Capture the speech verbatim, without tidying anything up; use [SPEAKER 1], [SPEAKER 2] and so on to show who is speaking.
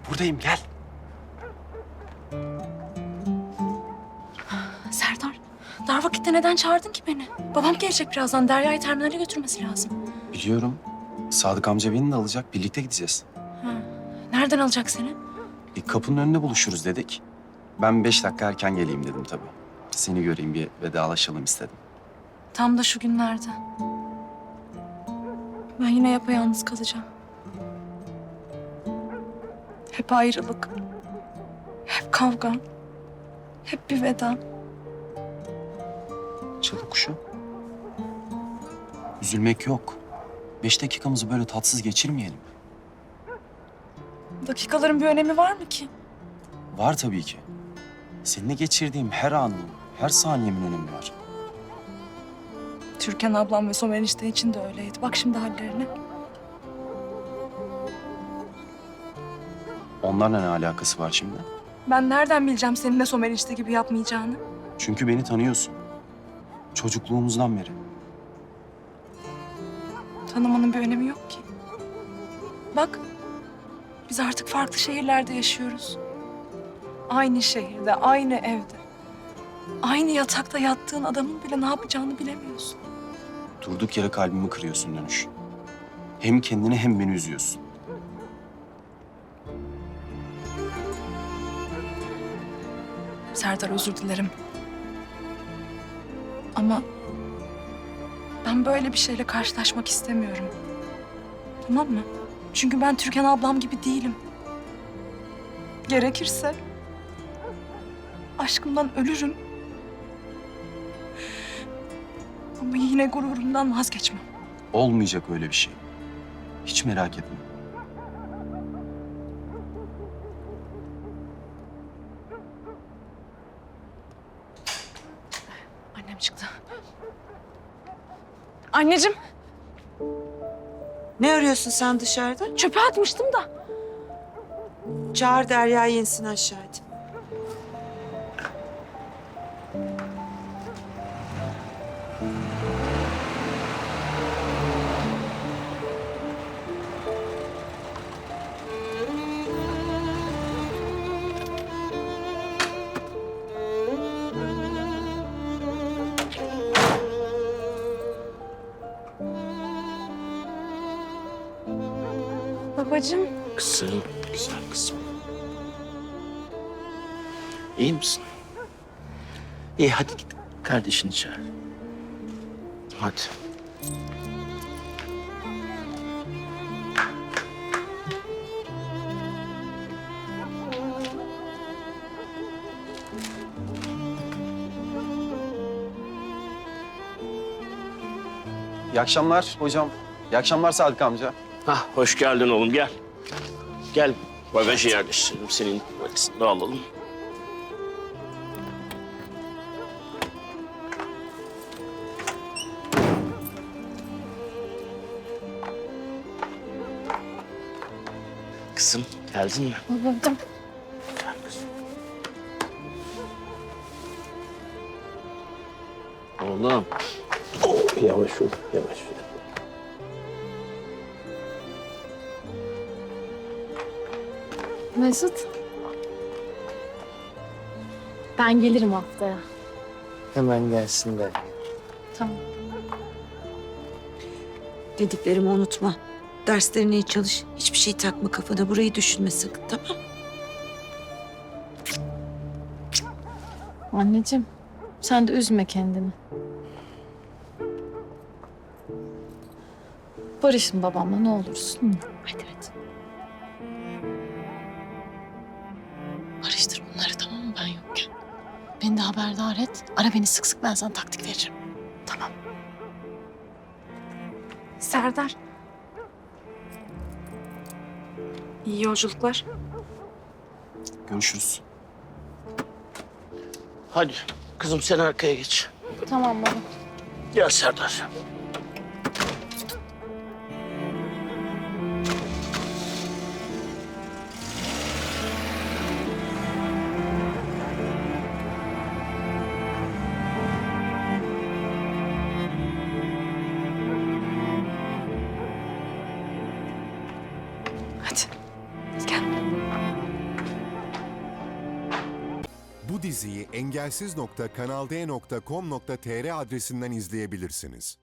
[SPEAKER 1] Buradayım, gel.
[SPEAKER 2] Serdar, dar vakitte neden çağırdın ki beni? Babam gelecek birazdan. Derya'yı terminale götürmesi lazım.
[SPEAKER 1] Biliyorum. Sadık amca beni de alacak. Birlikte gideceğiz.
[SPEAKER 2] Ha. Nereden alacak seni?
[SPEAKER 1] E, kapının önünde buluşuruz dedik. Ben beş dakika erken geleyim dedim tabii. Seni göreyim, bir vedalaşalım istedim.
[SPEAKER 2] Tam da şu günlerde. Ben yine yapayalnız kalacağım. Hep ayrılık. Hep kavga. Hep bir veda.
[SPEAKER 1] Çalı kuşu. Üzülmek yok. Beş dakikamızı böyle tatsız geçirmeyelim.
[SPEAKER 2] Dakikaların bir önemi var mı ki?
[SPEAKER 1] Var tabii ki. Seninle geçirdiğim her anın, her saniyemin önemi var.
[SPEAKER 2] Türkan ablam ve Somer enişte için de öyleydi. Bak şimdi hallerine.
[SPEAKER 1] Onlarla ne alakası var şimdi?
[SPEAKER 2] Ben nereden bileceğim senin de Somer enişte gibi yapmayacağını?
[SPEAKER 1] Çünkü beni tanıyorsun. Çocukluğumuzdan beri.
[SPEAKER 2] Tanımanın bir önemi yok ki. Bak, biz artık farklı şehirlerde yaşıyoruz. Aynı şehirde, aynı evde. Aynı yatakta yattığın adamın bile ne yapacağını bilemiyorsun.
[SPEAKER 1] Durduk yere kalbimi kırıyorsun Dönüş. Hem kendini hem beni üzüyorsun.
[SPEAKER 2] Serdar, özür dilerim. Ama ben böyle bir şeyle karşılaşmak istemiyorum. Tamam mı? Çünkü ben Türkan ablam gibi değilim. Gerekirse aşkımdan ölürüm. Ama yine gururumdan vazgeçmem.
[SPEAKER 1] Olmayacak öyle bir şey. Hiç merak etme.
[SPEAKER 2] Annem çıktı. Anneciğim,
[SPEAKER 3] Ne arıyorsun sen dışarıda?
[SPEAKER 2] çöpe atmıştım da.
[SPEAKER 3] Çağır Derya'yı insin aşağı hadi.
[SPEAKER 2] Babacığım,
[SPEAKER 4] Kızım, güzel kızım. İyi misin? İyi, hadi git kardeşini çağır. Hadi.
[SPEAKER 1] İyi akşamlar hocam. İyi akşamlar Sadık amca.
[SPEAKER 4] Hah, hoş geldin oğlum, gel. Gel, bagajı yerleştirelim. Senin valizini de alalım. Kızım, geldin mi?
[SPEAKER 2] babacığım.
[SPEAKER 4] Gel kızım. Oğlum. Oh, yavaş ol, yavaş ol.
[SPEAKER 5] Mesut. Ben gelirim haftaya.
[SPEAKER 4] Hemen gelsin de.
[SPEAKER 5] Tamam.
[SPEAKER 3] Dediklerimi unutma. Derslerine iyi çalış. Hiçbir şey takma kafana. Burayı düşünme sakın, tamam?
[SPEAKER 5] Anneciğim, sen de üzme kendini. Barışın babamla ne olursun. Hadi hadi. Barıştır bunları, tamam mı, ben yokken? Beni de haberdar et. Ara beni sık sık, ben sana taktik veririm. Tamam.
[SPEAKER 2] Serdar. İyi yolculuklar.
[SPEAKER 1] Görüşürüz.
[SPEAKER 4] Hadi kızım, sen arkaya geç.
[SPEAKER 5] Tamam baba.
[SPEAKER 4] Gel Serdar.
[SPEAKER 2] Hadi. Gel.
[SPEAKER 6] Bu diziyi engelsiz nokta kanalde nokta com nokta tr adresinden izleyebilirsiniz.